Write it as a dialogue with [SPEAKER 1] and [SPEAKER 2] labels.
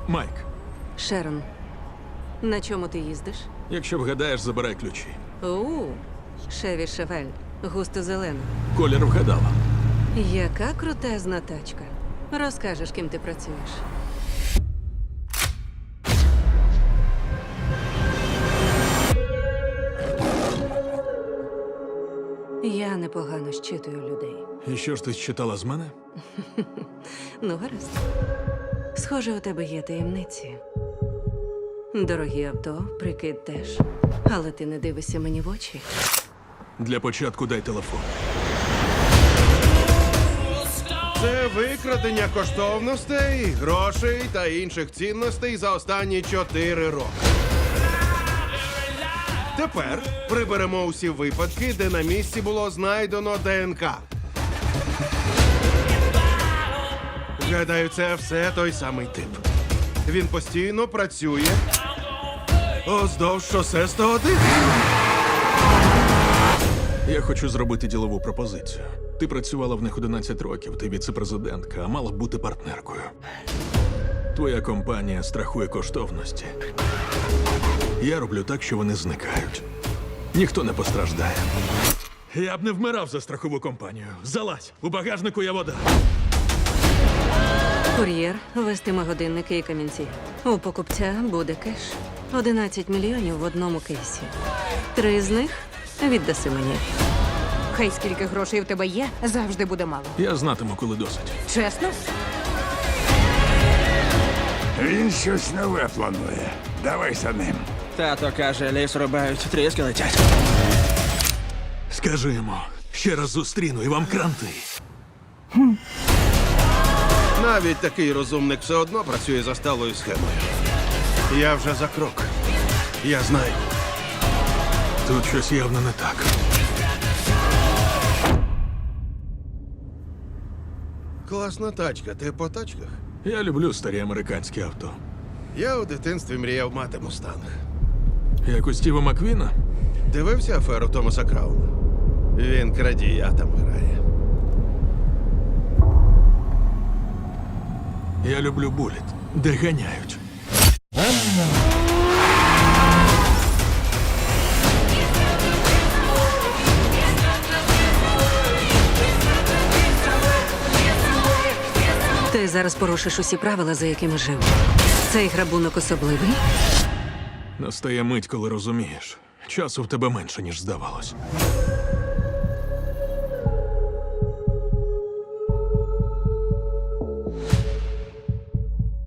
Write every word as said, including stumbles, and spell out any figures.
[SPEAKER 1] Майк,
[SPEAKER 2] Шерон, на чому ти їздиш?
[SPEAKER 1] якщо вгадаєш, забирай ключі.
[SPEAKER 2] У, Шеві Шевель, густо зелена.
[SPEAKER 1] Колір вгадала.
[SPEAKER 2] Яка крутезна тачка. Розкажеш, ким ти працюєш. Я непогано щитую людей.
[SPEAKER 1] І що ж ти читала з мене?
[SPEAKER 2] Ну, гаразд. Схоже, у тебе є таємниці. Дорогі авто, прикид теж. Але ти не дивишся мені в очі.
[SPEAKER 1] Для початку дай телефон.
[SPEAKER 3] Це викрадення коштовностей, грошей та інших цінностей за останні чотири роки. Тепер приберемо усі випадки, де на місці було знайдено ДНК. Гадаю, це все той самий тип. Він постійно працює оздовж шосе сто один.
[SPEAKER 1] Я хочу зробити ділову пропозицію. Ти працювала в них одинадцять років, ти віце-президентка, а мала б бути партнеркою. Твоя компанія страхує коштовності. Я роблю так, що вони зникають. Ніхто не постраждає. Я б не вмирав за страхову компанію. Залазь, у багажнику є вода.
[SPEAKER 2] Кур'єр вестиме годинники і камінці. У покупця буде кеш. одинадцять мільйонів в одному кейсі. Три з них віддаси мені.
[SPEAKER 4] Хай скільки грошей в тебе є, завжди буде мало.
[SPEAKER 1] Я знатиму, коли досить.
[SPEAKER 4] Чесно?
[SPEAKER 5] Він щось нове планує. Давай за ним.
[SPEAKER 6] Тато каже, ліс рубають, тріски летять.
[SPEAKER 1] Скажи йому, ще раз зустріну і вам кранти.
[SPEAKER 3] Навіть такий розумник все одно працює за сталою схемою. Я вже за крок. Я знаю.
[SPEAKER 1] Тут щось явно не так.
[SPEAKER 3] Класна тачка. Ти по тачках?
[SPEAKER 1] Я люблю старі американські авто.
[SPEAKER 3] Я у дитинстві мріяв мати мустанг.
[SPEAKER 1] Як у Стіва Маквіна.
[SPEAKER 3] Дивився аферу Томаса Крауна? Він крадія там грає.
[SPEAKER 1] Я люблю буліт, де ганяють.
[SPEAKER 2] Ти зараз порушиш усі правила, за якими жив. Цей грабунок особливий.
[SPEAKER 1] Настає мить, коли розумієш. Часу в тебе менше, ніж здавалось.